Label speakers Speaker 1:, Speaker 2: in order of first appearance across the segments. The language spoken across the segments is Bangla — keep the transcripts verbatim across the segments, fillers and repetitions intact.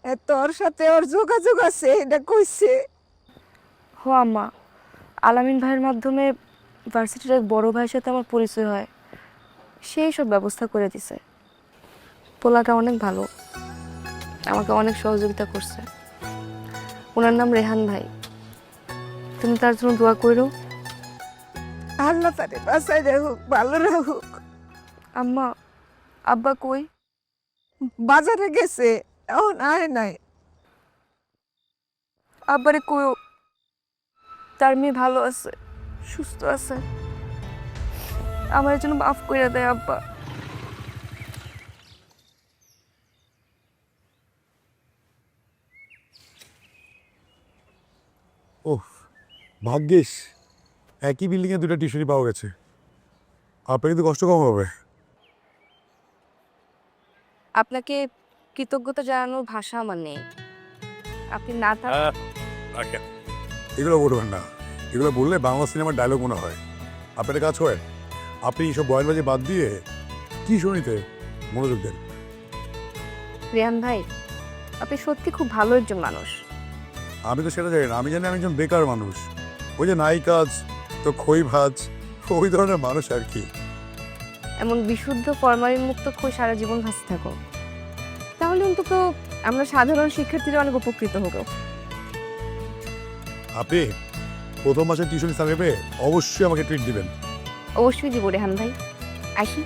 Speaker 1: এ তোর সাথে ওর যোগাযোগ আছে এটা কইছে?
Speaker 2: হো আম্মা, আলামিন ভাইয়ের মাধ্যমে ভার্সিটির এক বড় ভাইয়ের সাথে আমার পরিচয় হয়। সেই সব ব্যবস্থা করে দিছে। পোলাটা অনেক ভালো, আমাকে অনেক সহযোগিতা করছে। ওনার নাম রেহান ভাই। তুমি তার জন্য দোয়া করো।
Speaker 1: আল্লাহ তারে বাঁচাই রাখুক, ভালো রাখুক।
Speaker 2: আম্মা, আব্বা কই?
Speaker 1: বাজারে গেছে, এখন আয় নাই।
Speaker 2: আব্বারে কইও তার মেয়ে ভালো আছে, সুস্থ আছে। আমার জন্য মাফ করে দেয় আব্বা।
Speaker 3: ওহ, ভাগ্যিস একই বিল্ডিংয়ে দুটো টিউশনি পাওয়া গেছে। আপনার কিন্তু কষ্ট কম হবে।
Speaker 2: আপনাকে কৃতজ্ঞতা জানানোর ভাষা আমার নেই। আপনি না থাক।
Speaker 3: এগুলো বলবেন না, এগুলো বললে বাংলা সিনেমার ডায়লগ মনে হয়। আপনার একটা কাজ করেন, আপনি এইসব বয়ানবাজি বাদ দিয়ে কি শুনিতে মনোযোগ দেন।
Speaker 2: রিয়ান ভাই, আপনি সত্যি খুব ভালো একজন মানুষ।
Speaker 3: আমি তো সেটা জানি না, আমি জানি আমি একজন বেকার মানুষ। ওই যে নাই কাজ তো খই ভাজ, ওই ধরনের মানুষ আর কি।
Speaker 2: এমন বিশুদ্ধ ফরমালিন মুক্ত খই সারা জীবন ভাসতে থাকো, তাহলে অন্তত আমরা সাধারণ শিক্ষার্থীরা অনেক উপকৃত হব।
Speaker 3: আপনি প্রথম মাসের টিউশন স্যালারি পেয়ে অবশ্যই আমাকে ট্রিট দিবেন।
Speaker 2: অবশ্যই দিব রেহান ভাই। আসি।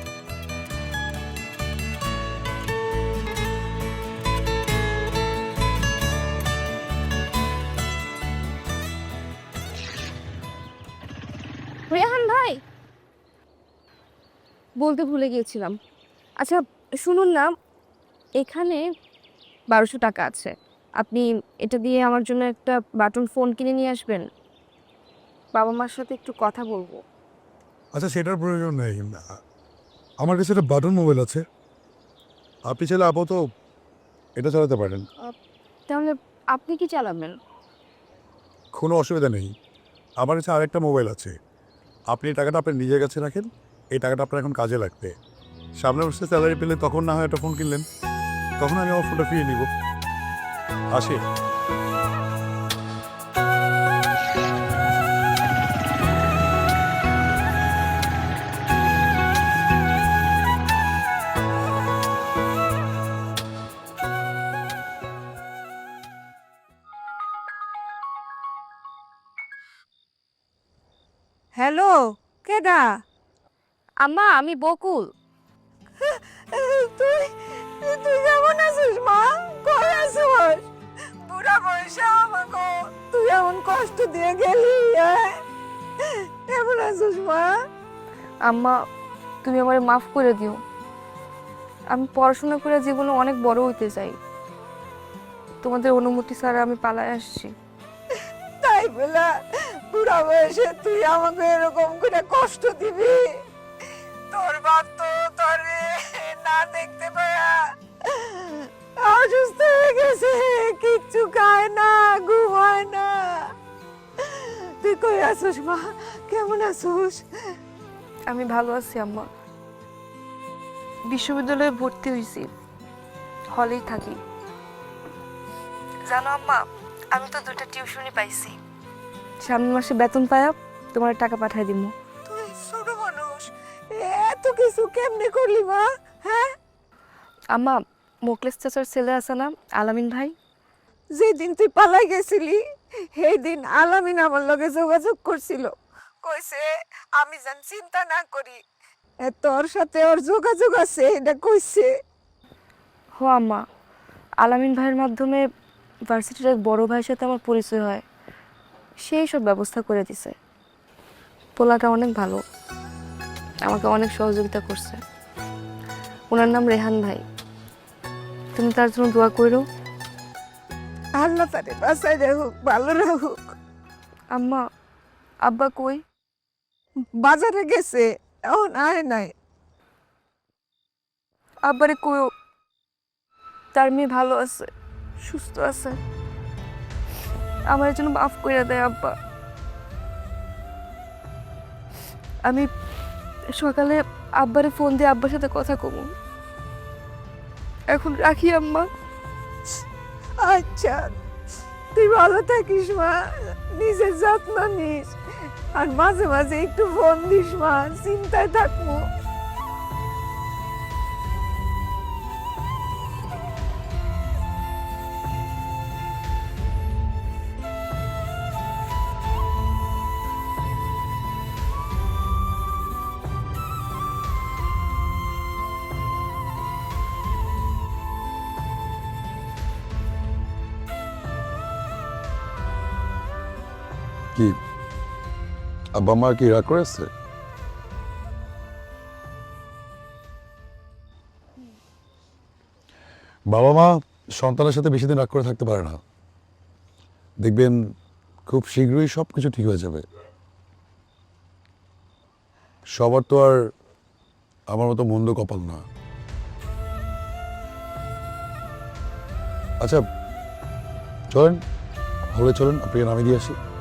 Speaker 2: রেহান ভাই, বলতে ভুলে গিয়েছিলাম। আচ্ছা শুনুন না, এখানে বারোশো টাকা আছে। আপনি এটা দিয়ে আমার জন্য একটা বাটন ফোন কিনে নিয়ে আসবেন। বাবা মার সাথে একটু কথা বলবো।
Speaker 3: আচ্ছা, সেটার প্রয়োজন নেই, আমার কাছে একটা বাটন মোবাইল আছে। আপনি চাইলে আপাতত এটা চালাতে পারেন।
Speaker 2: তাহলে আপনি কি চালাবেন?
Speaker 3: কোনো অসুবিধা নেই, আমার কাছে আরেকটা মোবাইল আছে। আপনি এই টাকাটা আপনার নিজের কাছে রাখেন, এই টাকাটা আপনার এখন কাজে লাগবে। সামনে বসে স্যালারি পেলে তখন না হয় একটা ফোন কিনলেন, তখন আমি আমার ফোনটা ফিরিয়ে নিব। আসি।
Speaker 1: হ্যালো, কেডা?
Speaker 2: আম্মা, আমি বকুল।
Speaker 1: তুই তুই কেমন আছিস মা? কই আছিস? বুড়া বয়সে আমাকে তুই এমন কষ্ট দিয়ে গেলি, হ্যাঁ? কেমন আছিস মা?
Speaker 2: আম্মা, তুমি আমারে মাফ করে দিও। আমি পড়াশোনা করে জীবনে অনেক বড় হইতে চাই। তোমাদের অনুমতি ছাড়া আমি পালায় আসছি।
Speaker 1: তাই বলা বুড়া বয়সে তুই আমাকে এরকম করে কষ্ট দিবি? তোর বাপ তো তোরে না দেখতে পায়া অসুস্থ হয়ে গেছে, কিচ্ছু খায় না, ঘুমায় না। তুই কই আছিস মা? কেমন আছিস?
Speaker 2: আমি ভালো আছি আম্মা। বিশ্ববিদ্যালয়ে ভর্তি হয়েছি, হলেই থাকি। জানো আম্মা, আমি তো দুইটা টিউশনই পাইছি। সামনের মাসে বেতন পায়া তোমার টাকা পাঠাই দিব।
Speaker 1: তুই ছোট মানুষ, এত কিছু কেমনে করলি মা? হ্যাঁ,
Speaker 2: আম্মা, মোকলেস চাচার ছেলে আছে না আলামিন ভাই?
Speaker 1: যেদিন তুই পালাই গেছিলি সেই দিন আলামিন আমার লগে যোগাযোগ করছিল, কইছে আমি যেন চিন্তা না করি, এ তোর সাথে ওর যোগাযোগ আছে এটা কইছে।
Speaker 2: হো আম্মা, আলামিন ভাইয়ের মাধ্যমে ভার্সিটির এক বড় ভাইয়ের সাথে আমার পরিচয় হয়। সেই সব ব্যবস্থা করে দিছে। পোলাটা অনেক ভালো, আমাকে অনেক সহযোগিতা করছে। ওনার নাম রেহান ভাই। তুমি তার জন্য দোয়া করো।
Speaker 1: আল্লাহ তারে বাঁচাই রাখুক, ভালো রাখুক।
Speaker 2: আম্মা, আব্বা কই?
Speaker 1: বাজারে গেছে, এখন আয় নাই।
Speaker 2: আব্বারে কইও তার মেয়ে ভালো আছে, সুস্থ আছে। আমার জন্য মাফ করে দেয় আব্বা। আমি সকালে আব্বারে ফোন দিয়ে আব্বার সাথে কথা কমু। এখন রাখি আম্মা।
Speaker 1: আচ্ছা, তুই ভালো থাকিস মা, নিজের যত্ন নিস, আর মাঝে মাঝে একটু ফোন দিস মা, চিন্তায় থাকবো।
Speaker 4: কি আব্বা মা কি রাগ করেছে? বাবা মা সন্তানের সাথে বেশি দিন রাগ করে থাকতে পারে না। দেখবেন খুব শীঘ্রই সব কিছু ঠিক হয়ে যাবে। সবার তো আর আমার মতো মন্দ কপাল না। আচ্ছা চলেন, হলে চলেন, আপনাকে নামিয়ে দিয়ে আসি।